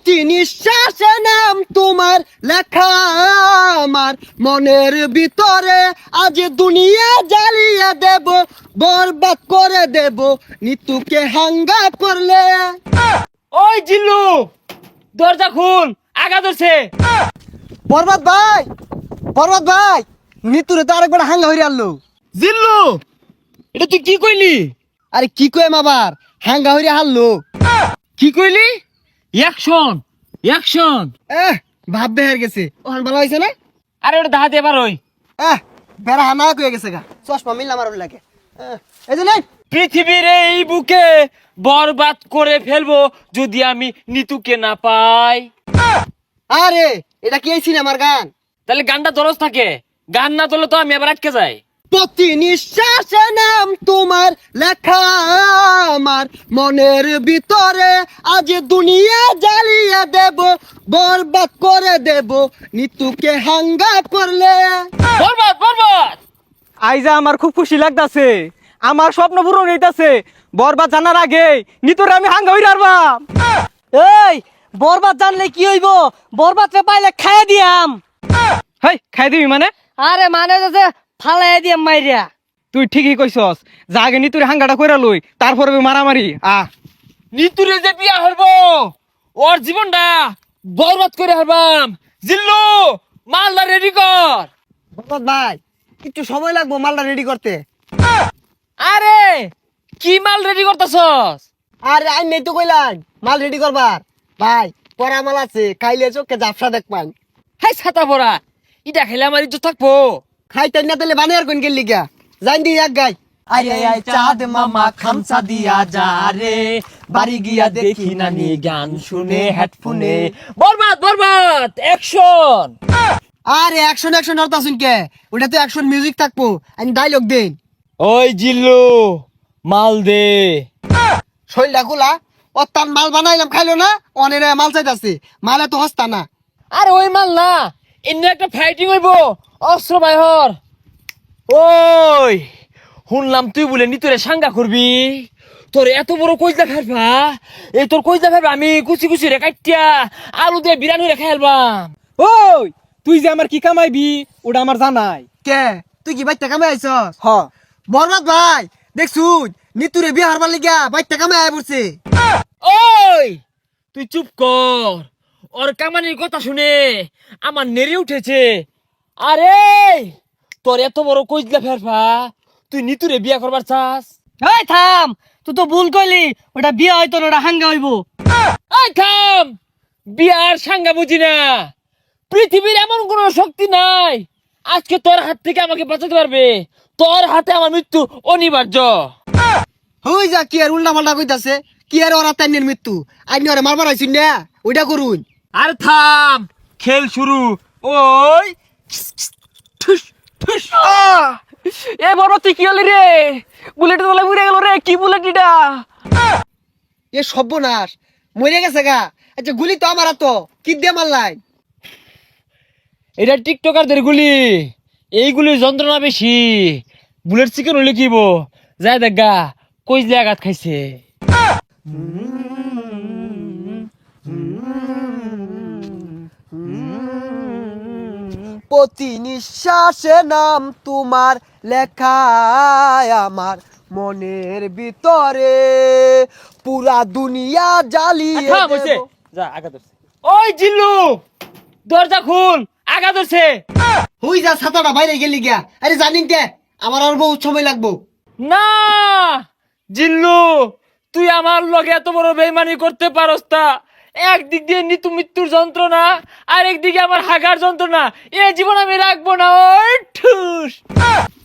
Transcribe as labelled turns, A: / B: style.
A: প্রতি নিঃশ্বাসে নাম তোমার লেখা আমার মনের ভিতরে, আজ দুনিয়া জ্বালিয়ে দেব, বরবাদ করে দেব নিতুকে হাঙ্গা করলে।
B: ওই জিল্লু, দরজা খুল, আগা ধরছে।
A: বরবাদ ভাই, বরবাদ ভাই, নিতুরে তো আরেকবার হাঙ্গা হইরে আনলো।
B: জিল্লু, এটা তুই কি কইলি?
A: আরে কি কইম আবার, হাঙ্গা হইরে হারলো।
B: কি কইলি? Action, action.
A: ভাব বেহার গেছে, ওখান ভালো হয়েছে না?
B: আরে ওটা দাহাতে এবার ওই
A: বেড়া হানা কয়ে গেছে গা, চশমা মিললাম আর লাগে। এই যে নেই,
B: পৃথিবীর এই বুকে বরবাদ করে ফেলবো যদি আমি নিতুকে না পাই।
A: আরে এটা কি এই সিনেমার গান?
B: তাহলে গানটা দরজ থাকে, গান না তোলে তো আমি আবার আটকে যাই।
A: প্রতি নিঃশ্বাসে নাম তোমার লেখা আমার মনের ভিতরে, আজ দুনিয়া জ্বালিয়ে দেব, বরবাদ করে দেব নিতুকে হাঙ্গা করলে।
B: বরবাদ, বরবাদ।
C: আইজা আমার খুব খুশি লাগতাছে, আমার স্বপ্ন পূরণ হইতাছে। বরবাদ জানার আগে নিতরে আমি হাঙ্গা হইরা আরবাম।
A: এই বরবাদ জানলে কি হইব? বরবাদ রে পাইলে খাইয়া দিয়াম।
C: হেই, খাই দিবি মানে?
A: আরে মানে যে ফালাই দিয়াম মাইরিয়া।
C: তুই ঠিকই কইছস, যা আগে নিতুরে হাঙ্গাটা কইরা লই, তারপরে মারামারি।
B: নিতুরে যে বিয়া হরবো, ওর জীবনটা বরবাদ করে হারবাম। জিল্লু, মালদা রেডি কর।
A: বরবাদ ভাই, একটু সময় লাগবো মালটা রেডি করতে।
B: আরে কি মাল রেডি করতেছস?
A: আরে আই নেই তো কইলাম মাল রেডি করবার। ভাই পরা মাল আছে, খাইলে চোখে জাফসা দেখ পান।
B: হাই ছাতা পড়া, ইটা খেলে আমার ইজ্জত থাকবো।
A: খাইতেন না তাহলে বানিয়ার কোন গেলি গা, জান দি এক গাই।
B: আরে আই চাঁদ মামা খামসা দিয়া যা রে, বাড়ি গিয়া দেখি নানি গান শুনে হেডফোনে। বরবাদ, বরবাদ, অ্যাকশন।
A: আরে অ্যাকশন অ্যাকশন অর্থ শুন কে, ওটা তো অ্যাকশন মিউজিক থাকবো, আমি ডায়লগ দেন।
B: ওই জিল্লু, মাল দে।
A: শৈলটা খোলা, ও তার মাল বানাইলাম খাইলো না, অনেরে মাল চাইতাছে, মালে তো হস্তা না।
B: আরে ওই মাল না, এমনি একটা ফাইটিং হইব, অস্ত্র বাইহর। ওই শুনলাম তুই বলে নি তোরে সাঙ্গা করবি, তোর এত বড় কইজা ফেলবা, এই তোর কইজা ফেলবা আমি কুচি কুচি রে কাটিয়া আলু দিয়ে বিরানি রে খাইলবাম।
C: ওই তুই যে আমার কি কামাইবি ওটা আমার জানাই।
A: কে তুই কি বাইতে কামে আইছস?
C: হ,
A: বরবাদ ভাই দেখছু নিতুরে বিয়ে হারবার লিগা বাইতে কামে আয় পড়ছে।
B: ওই তুই চুপ কর, ওর কামানির কথা শুনে আমার নেড়ে উঠেছে। আরে তোর এত বড় কইজলা ফেরফা, তুই নিতুরে বিয়া করবার চাস?
A: এই থাম, তুই তো ভুল কইলি, ওটা বিয়ে হয়তো না, ওটা হাঙ্গা হইব।
B: এই থাম, বিয়ার সাঙ্গা বুঝি না। পৃথিবীর এমন কোন শক্তি নাই আজকে তোর হাত থেকে আমাকে বাঁচাতে পারবে। তোর হাতে আমার মৃত্যু অনিবার্য।
A: হই যা, কি আর উল্টা পাল্টা কইতাছে, কি আর ওরা তাইনের মৃত্যু, আইনি ওরে মারবার আইছুন না, ওইটা করুন।
B: আর থাম, খেল শুরু। ওই ঠুস ঠুস।
C: এ বরবাদ তুই কি হলি রে? বুলেট তোলা উড়ে গেল রে, কি বুলেট এটা?
A: এ সর্বনাশ, মরে গেছে গা। আচ্ছা গুলি তো আমার তো কি দিয়ে মারলাই?
B: এটা টিকটকারদের গুলি, এইগুলির যন্ত্রণা বেশি। বুলেট চিকেন হলে কিব যায় দেখা কইজলে আঘাত খাইছে।
A: প্রতি নিঃশ্বাসে নাম তোমার লেখা আমার মনের ভিতরে, পুরা দুনিয়া জ্বালিয়ে
B: থাম, হইছে।
A: দেব।
B: যা আগা ধরছে। ওই জিল্লু, দরজা খুল, আগা ধরছে।
A: হই যা, ছাতাটা বাইরে গেলি গিয়া। আরে জানিন কে, আমার আর বহুত সময় লাগবো।
B: না জিল্লু, তুই আমার লগে এত বড় বেইমানি করতে পারস তা? একদিক দিয়ে নিতু মৃত্যুর যন্ত্রণা, আর একদিকে আমার হাগার যন্ত্রণা, এ জীবন আমি রাখবো না। ওই ঠুস।